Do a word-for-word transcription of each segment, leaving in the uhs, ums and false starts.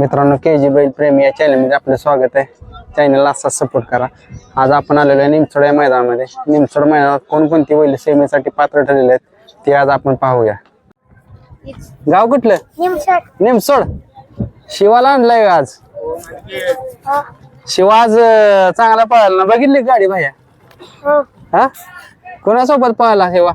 मित्रांनो, के जी बैल प्रेमी या चॅनलमध्ये आपलं स्वागत आहे. चॅनलला असाच सपोर्ट करा. आज आपण आलेलो आहे निमसोड या मैदानामध्ये. निमसोड मैदानात कोणकोणती बैल सेमीसाठी पात्र ठरलेले आहेत ते आज आपण पाहूया. गाव कुठलं? निमसोड. निमसोड. शिवाला आणलाय का आज? शिवा आज अं, चांगला पळाला ना, बघितली का गाडी भाया? हो. हा, कोणासोबत पळाला शिवा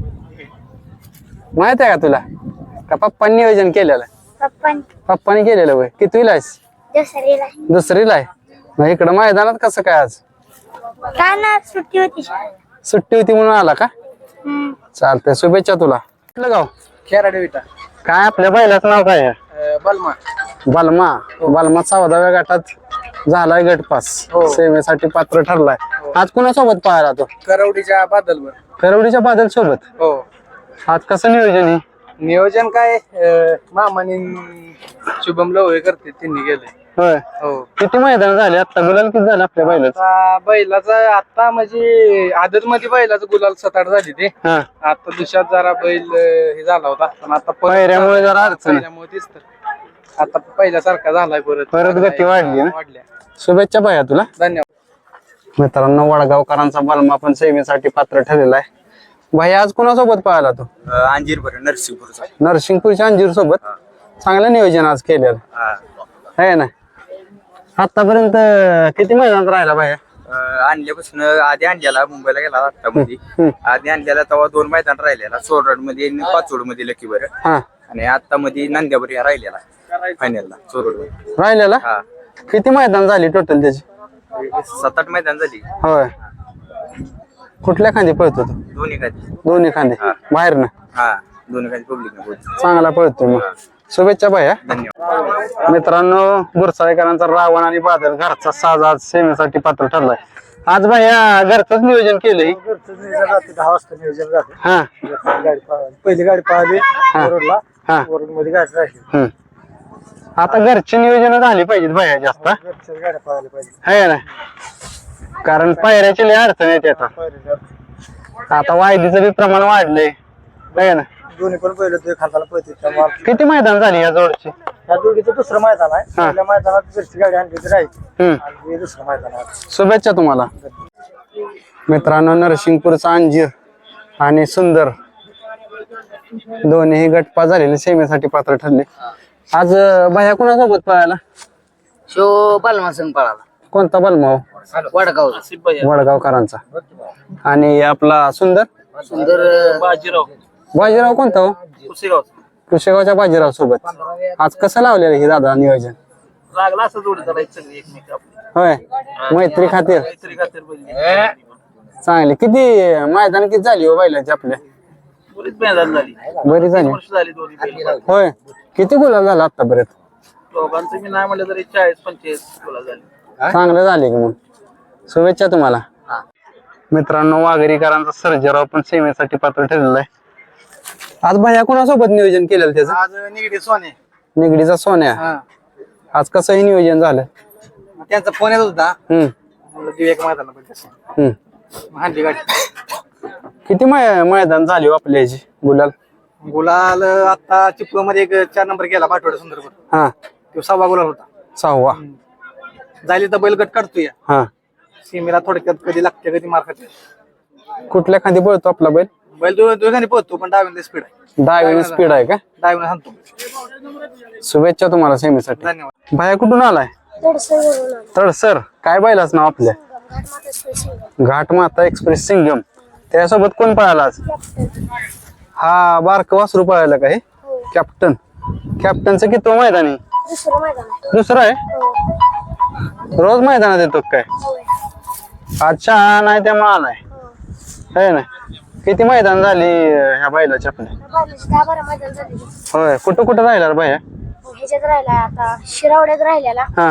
माहित आहे का तुला? का पप्पांनी नियोजन केलेलं? पप्पान पप्पांनी केलेलं वय. कितवीला आहेस? दुसरीला. दुसरीला आहे. मग इकडं मैदानात कसं काय आज? का ना सुट्टी होती. सुट्टी होती म्हणून आला का? हम्म. चालतंय, शुभेच्छा तुला. कुठलं गाव? खेराडे विटा. काय आपल्या बैलाचं नाव काय आहे? बलमा. बलमा. बलमा चौदाव्या गटात झालाय गटपास, हो. सेवेसाठी पात्र ठरलाय. आज कुणासोबत पाहायला तो? करवडीच्या बादलवर. करवडीच्या बादल सोबत. हो. आज कसं नियोजन आहे? नियोजन काय अं, मामाने शुभम लवळे करते त्यांनी गेले. होय. हो. किती मैदान झाले आता? गुलाल किती झाले आपल्या बैलाचं? आता बैलाचा आता म्हणजे आदत मध्ये बैलाचं गुलाल सात आठ झाली ते. हा, आता दुसऱ्यात जरा बैल अं, हे झाला होता पण आता परत- पायऱ्यामुळे जरा अडचण आहे. पायऱ्यामुळे तेच तर आता पहिल्यासारखा झालाय परत. परत गती वाढली ना? वाढल्या. शुभेच्छा भैया तुला. धन्यवाद. मित्रांनो, वडगावकरांचा बलमा पण सेवेसाठी पात्र ठरलेला आहे. भैया आज कुणासोबत पाहिला तो? अंजीर बरं नरसिंहपूरचा. नरसिंगपूरच्या अंजीर सोबत. चांगलं नियोजन आज केलेलं आहे ना. आतापर्यंत किती मैदानात राहिला भैया? आणल्यापासून आधी आणलेला मुंबईला गेला आता मध्ये. आधी आणलेला तेव्हा दोन मैदान राहिलेला, चोरड मध्ये आणि पाचोड मध्ये लकी बरं. हा, आणि आता मध्ये नांद्यावर या राहिलेला फायनलला चोरड मध्ये. राहिलेला. हा, किती मैदान झाली टोटल त्याची? सात आठ मैदान झाली. होय. कुठल्या खांदी पळतो तो? दोन्ही खाली. दोन्ही खांदे हा. बाहेर ना. हा, दोन्ही खाली पब्लिक. चांगला पळतो मग. शुभेच्छा भैया. धन्यवाद. मित्रांनो, गुरसाळेकरांचा रावण आणि बादल घरचा साज आज सेवेसाठी पात्र ठरलाय. आज भैया घरचंच नियोजन केलंय. दहा वाजता नियोजन झालं. हा, गाडी पहिली गाडी पाहिली रोडला. हा. रोड मध्ये गाडी राहिली. हम्म. आता घरची नियोजन झाली पाहिजेत भैया जास्त. हा? घरच्याच गाड्या पाहायला पाहिजे. है ना, कारण पायऱ्याची लय अडचण येते आता. आता वायदीचं बी प्रमाण वाढलंय. है ना. दोन्ही पण पहिलं ते खाताला पळते त्यामुळे किती मैदान झाली या जोडची? या जोडीचं दुसरं मैदान आहे. हा. पहिल्या मैदानात घरची गाडी आणली तर राहील हम्म. आणि हे दुसरं मैदान आहे. शुभेच्छा तुम्हाला. मित्रांनो, नरसिंगपूरचा अंजीर आणि सुंदर दोन्ही गटपा झालेले सेमेसाठी पात्र ठरले. आज अं, भैया कुणासोबत पळायला? शो बलमा संग पळाला. कोणता बलमाव? वडगाव वडगावकरांचा. आणि आपला सुंदर सुंदर बाजीराव बाजीराव कोणता हो? कुसेगाव कुशेगावच्या बाजीराव सोबत. आज कसं लावलेलं हे दादा नियोजन? लागला असं जोडी करायचं सगळी एकमेक होय, मैत्री खातीर काहीतरी खातर बघितली. चांगली. किती मैदान किती झाली हो बैलाची आपल्या? बरीच मैदान झाली. बरी झाली. वर्ष झाली दोन्ही बैल. होय. किती गुलाल झाला आतापर्यंत? दोघांचं मी नाही म्हणलं तरी चाळीस पंचेचाळीस गोला झाली. चांगलं झाले की मग. शुभेच्छा तुम्हाला. मित्रांनो, वाघेरीकरांचा सर्जेराव पण सेवेसाठी पात्र ठरलेला आहे. आज भैया कुणासोबत नियोजन केलेलं त्याचं? आज निगडी सोने. निगडीचा सोन्या. हा. आज कसंही नियोजन झालं? त्यांचा फोन येत होता. हम्म म्हणलं देऊ एक मैदान हम्म. हांडी गाडी. किती मै मैदान झाली हो आपल्या ह्याची गुलाल? गुलाल आता चिपळूण मध्ये एक चार नंबर गेला पाठवडा सुंदर. हा, तो सहावा गुलाल होता. सहावा. जायला तर बैल गट काढतोय. हा. सीमेला थोडक्यात कधी लागते कधी मार खाते. कुठल्या खांदी पळतो आपला बैल? बैल दो दोघांनी पोहतो पण डावीने स्पीड आहे. दहावी स्पीड आहे का? डावीने सांगतो. शुभेच्छा तुम्हाला सेमीसाठी. धन्यवाद. भैया कुठून आलाय? तडसर. काय बैलाच नाव आपल्या? घाट माता एक्सप्रेस सिंगम. त्यासोबत कोण पळाला आज? हा, बारक वासरू पळायला का हे? कॅप्टन. कॅप्टनचं किती मैदान आहे? दुसरं मैदान आहे. दुसरं आहे. हो. रोज मैदानात येतो काय? होय. अच्छा, नाही त्यामुळे आलाय. है ना. किती मैदान झाली अं, ह्या बैलाची आपल्या? बावीस दहा बारा मैदान झाली. होय. कुठं कुठं राहिला रे भैया? ह्याच्यात राहिला आता शिरावड्यात राहिलेला. हा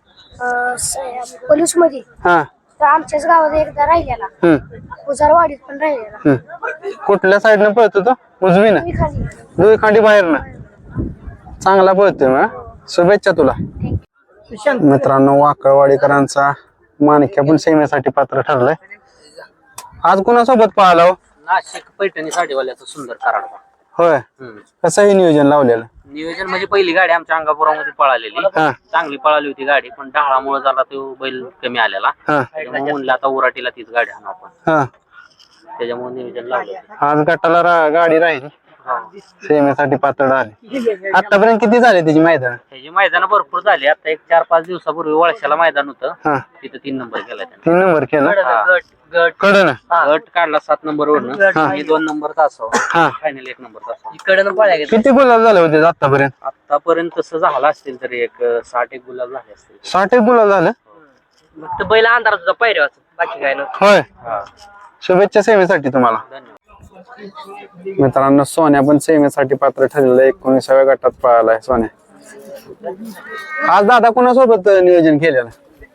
पलूस मध्ये. हा. तर आमच्याच गावात एकदा राहिलेला. हम्म उजारवाडीत पण राहिलेला. हम्म. कुठल्या साईडनं पळतो तो? उजवीनं? मी खाली. दुई खांडी बाहेरनं. चांगला पळतोय मग. शुभेच्छा तुला. मित्रांनो, वाकळवाडीकरांचा माणक्या पण सेमेसाठी पात्र ठरलाय. आज कुणासोबत पाहिला हो? नाशिक पैठणी साडीवाल्याचं सुंदर कराडा. होय. कसं हे नियोजन लावलेलं? नियोजन म्हणजे पहिली गाडी आमच्या अंगापुरामध्ये पळालेली हा. चांगली पळाली होती गाडी, पण ढाळामुळे झाला तो बैल कमी आलेला. हा त्याच्यामुळे म्हणलं आता उराटीला तीच गाडी आणू आपण, हा त्याच्यामुळे नियोजन लावलं. आज गटाला रा- गाडी राहील सेमेसाठी पातळ आली. आतापर्यंत किती झाले त्याची मैदान? त्याची मैदान भरपूर झाली. आता एक चार पाच दिवसापूर्वी वळशाला मैदान होतं, हा तिथं तीन नंबर केला त्याने. तीन नंबर केला गट गट कडन गट काढला सात नंबर वरनं आणि दोन नंबर तासावर हा फायनल एक नंबर तासावर इकडनं पळ्या गेल्या. किती गुलाब झाले होते आतापर्यंत? आतापर्यंत तसं झालं असतील तरी एक साठ एक गुलाब झाले असतील. साठ एक गुलाब झालं. फक्त बैल अंधारात होता पायऱ्यावर, बाकी काय नव्हतं. होय शुभेच्छा सेवेसाठी तुम्हाला. धन्यवाद. मित्रांनो सोन्या पण सेवेसाठी पात्र ठरलेलं आहे. एकोणीसाव्या गटात पळालाय सोन्या. आज दादा कोणासोबत नियोजन केलेलं?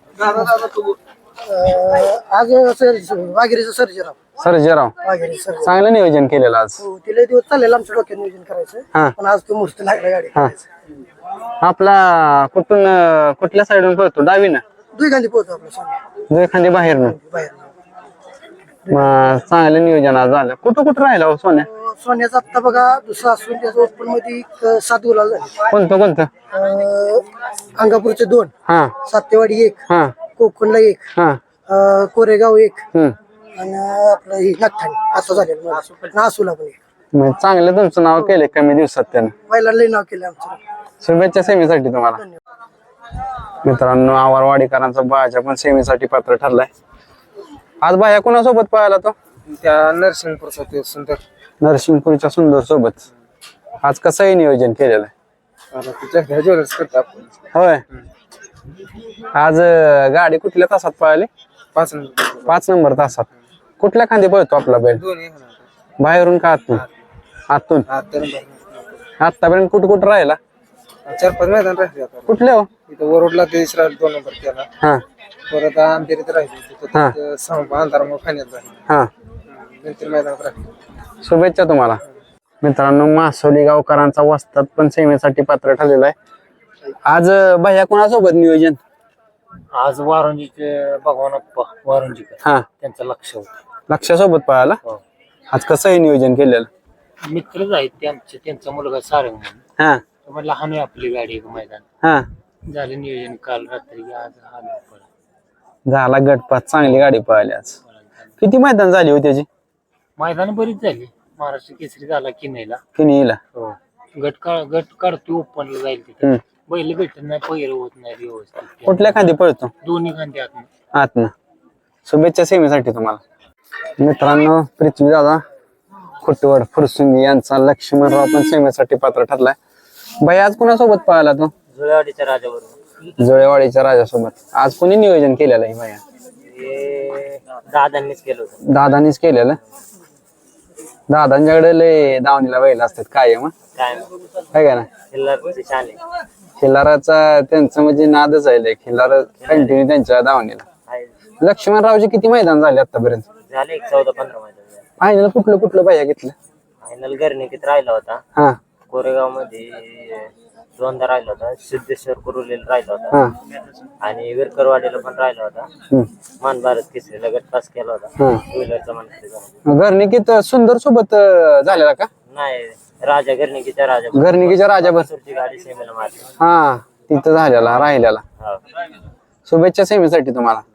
आज वाघेरीचं सर्जराव सर्जेराव. वाघेरी सर चांगलं नियोजन केलेलं आज. तिला दिवस चाललेलं आमच्या डोक्यात नियोजन करायचं, हा पण आज तो मुहूर्त लागला गाडी. हा आपला कुठून अं, कुठल्या साईडून पळतो? डावीनं दुई गांधी पोहोचतो आपल्या सोन्या जो एखादी बाहेरनं. बाहेर. मग चांगलं नियोजन आज झालं. कुठं कुठं राहिला हो सोन्या? सोन्याचा आत्ता बघा दुसरा असून त्याचा ओपन मध्ये एक, अं, सात गुलाल झाले. कोणतं कोणतं? अं, अंगापूरचे दोन, हा सातेवाडी एक, हा कोकणला एक, हा अं, कोरेगाव एक, हम्म आणि आपलं ही नागठाणे असं झालेलं. नासूला पण एक. मग चांगलं तुमचं नाव केलंय कमी दिवसात त्यानं. पहिला लई नाव केलं आमचं. शुभेच्छा सेमीसाठी तुम्हाला. मित्रांनो आवारवाडीकरांचा बाजा पण सेमीसाठी पात्र ठरलाय. आज बाया कोणासोबत पळाला तो? त्या नरसिंगपूरचा ते सुंदर नरसिंगपूरच्या सुंदर सोबत. आज कसंही नियोजन केलेलं आहे? ज्वेलर्स करतो आपण. होय आज अं, गाडी कुठल्या तासात पळाली? पाच नंबर पाच नंबर तासात. कुठल्या खांदी पळतो आपला बैल? दोन्ही बाहेरून का आतून? आतून. आतापर्यंत कुठं कुठं राहिला? चार पाच मैदान राहिले आता. कुठले हो? इथं वरोडला ते इस्रायल दोन नंबर केला, हा परत आमच्या इथे राहिले हा. तिथं सहा अंधारामुळे खाण्यात राहिले, हा नंतर मैदानात राहिले. शुभेच्छा तुम्हाला. मित्रांनो मासोली गावकरांचा वस्ताद पण सेवेसाठी पात्र ठरलेला आहे. आज अं, भैया कोणासोबत नियोजन? आज वारुंजीचे भगवान अप्पा वारुंजीकर हा त्यांचं लक्ष होतं. लक्षासोबत पळाला. आज कसंही नियोजन केलेलं? मित्रच आहेत ते आमचे, त्यांचा मुलगा सारंग म्हणून. हा मग लहान आहे आपली गाडी एक मैदान हा झालं नियोजन काल रात्री, आज आलो आपण. झाला गटपात. चांगली गाडी पळाली आज. किती मैदान झाली होती त्याची? मैदान बरीच झाली. महाराष्ट्र केसरी झाला किनईला. किनीला. हो गट काढ गट काढतो ओपनला जाईल तिथे. हम्म. बैल भेटत नाही, पैर होत नाही व्यवस्थित. कुठल्या खांदी पळतो? दोन्ही खांदे आत आतनं. शुभेच्छा सेवेसाठी तुम्हाला. मित्रांनो पृथ्वी दादा खुटवड फुरसुंगी यांचा लक्ष्मणराव पण सेवेसाठी पात्र ठरलाय. बाई आज कोणासोबत पळाला तो? जुळेवाडीच्या राजाबरोबर. जुळेवाडीच्या राजासोबत. आज कोणी नियोजन केलेलं आहे बाया? हे दादांनीच केलं होतं. दादानीच केलेलं. दादांच्याकडे लय दावणीला बैल असतात कायम. काय काय का ना खिल्लारचे छान आहे. खिल्लाराचा त्यांचं म्हणजे नादच आहे. खिल्लार कंटिन्यू त्यांच्या दावणीला. लक्ष्मणरावचे किती मैदान झाले आतापर्यंत? झाले एक चौदा पंधरा मैदान झाले. फायनल कुठलं कुठलं बाया घेतलं? फायनल गर्णिकीत राहिला होता, हा कोरेगाव मध्ये दोनदा राहिला होता, सिद्धेश्वर कुरुलेला राहिला हा होता आणि विरकरवाडीला पण राहिला होता. हम्म. मान भारत केसरीला गट पास केला होता. हा टू व्हीलरचा मानकरी झाला. घरनिकीत सुंदर सोबत अं, झालेला का? नाही राजा गर्णिकीच्या राजा घरनिकीच्या राजाभर. सुरची गाडी सेमीला मारली. हा तिथं झालेला राहिलेला. हा. शुभेच्छा सेवेसाठी तुम्हाला.